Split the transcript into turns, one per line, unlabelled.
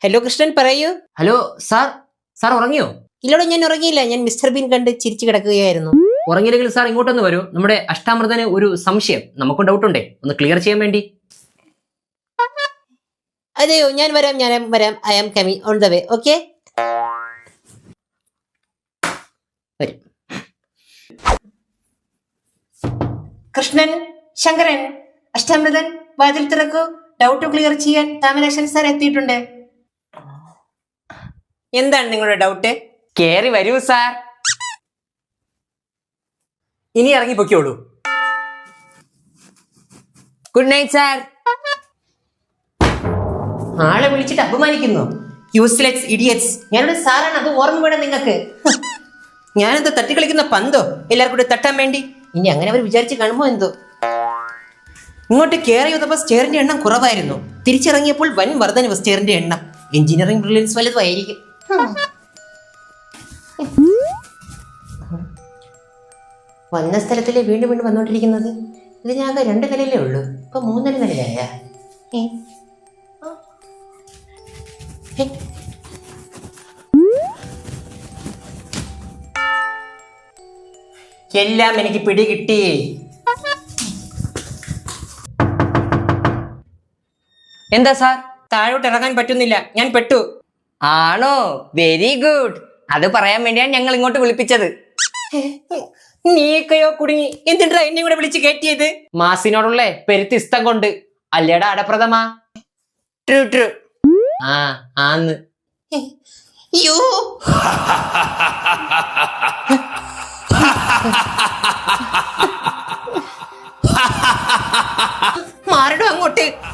Hello Krishnan പറയൂ.
Hello sir, sir ഉറങ്ങിയോ?
ഇല്ലോടെ ഞാൻ ഉറങ്ങിയില്ല. ഞാൻ മിസ്റ്റർ ബീൻ കണ്ട് ചിരിച്ചു കിടക്കുകയായിരുന്നു.
ഉറങ്ങിയില്ലെങ്കിൽ സാർ ഇങ്ങോട്ടൊന്ന് വരൂ. നമ്മുടെ അഷ്ടാമൃതന് ഒരു സംശയം, നമുക്ക് ഡൗട്ട് ഉണ്ടേ, ഒന്ന് ക്ലിയർ ചെയ്യാൻ വേണ്ടി.
അതെയോ, ഞാൻ വരാം. I am coming on the way. Okay. Krishnan, Shankaran, Ashtamrithan, വാതിൽ തുറക്കൂ. ഡൗട്ട് ക്ലിയർ ചെയ്യാൻ താമരാശൻ സാർ എത്തിയിട്ടുണ്ട്. എന്താണ് നിങ്ങളുടെ ഡൗട്ട്?
കേറി വരൂ സാർ. ഇനി ഇറങ്ങി പൊക്കോളൂ. Good night sir.
ആളെ വിളിച്ചിട്ട് അപമാനിക്കുന്നു. Useless idiots. ഞാനൊരു സാറാണ്, അത് ഓർമ്മ വേണം നിങ്ങൾക്ക്. ഞാനെന്താ തട്ടിക്കളിക്കുന്ന പന്തോ എല്ലാവർക്കും കൂടെ തട്ടാൻ വേണ്ടി? ഇനി അങ്ങനെ അവർ വിചാരിച്ച് കാണുമോ എന്തോ. ഇങ്ങോട്ട് കയറി വന്നപ്പോൾ സ്റ്റെയറിന്റെ എണ്ണം കുറവായിരുന്നു. തിരിച്ചിറങ്ങിയപ്പോൾ വൻ വർധനവ് സ്റ്റെയറിന്റെ എണ്ണം. എഞ്ചിനീയറിംഗ് ബ്രില്യൻസ് വലുതായിരിക്കും. വന്ന സ്ഥലത്തിലെ വീണ്ടും വീണ്ടും വന്നോണ്ടിരിക്കുന്നത്. ഇതിനാകെ 2 നിലയിലേ ഉള്ളൂ, ഇപ്പൊ 3 നിലയായ. എല്ലാം എനിക്ക് പിടികിട്ടി.
എന്താ സാർ?
താഴോട്ട് ഇറങ്ങാൻ പറ്റുന്നില്ല, ഞാൻ പെട്ടു.
ആണോ? Very good. അത് പറയാൻ വേണ്ടിയാണ് ഞങ്ങൾ ഇങ്ങോട്ട് വിളിപ്പിച്ചത്.
നീക്കയോ കുടുങ്ങി. എന്തിനാ എന്നെ കൂടെ വിളിച്ച് കയറ്റിയത്?
മാസിനോടുള്ള പെരുത്ത് ഇഷ്ടം കൊണ്ട് അല്ലേടാ അടപ്രഥമ.
True true.
ആ ആന്ന്.
അയ്യോ, മാറിടും അങ്ങോട്ട്.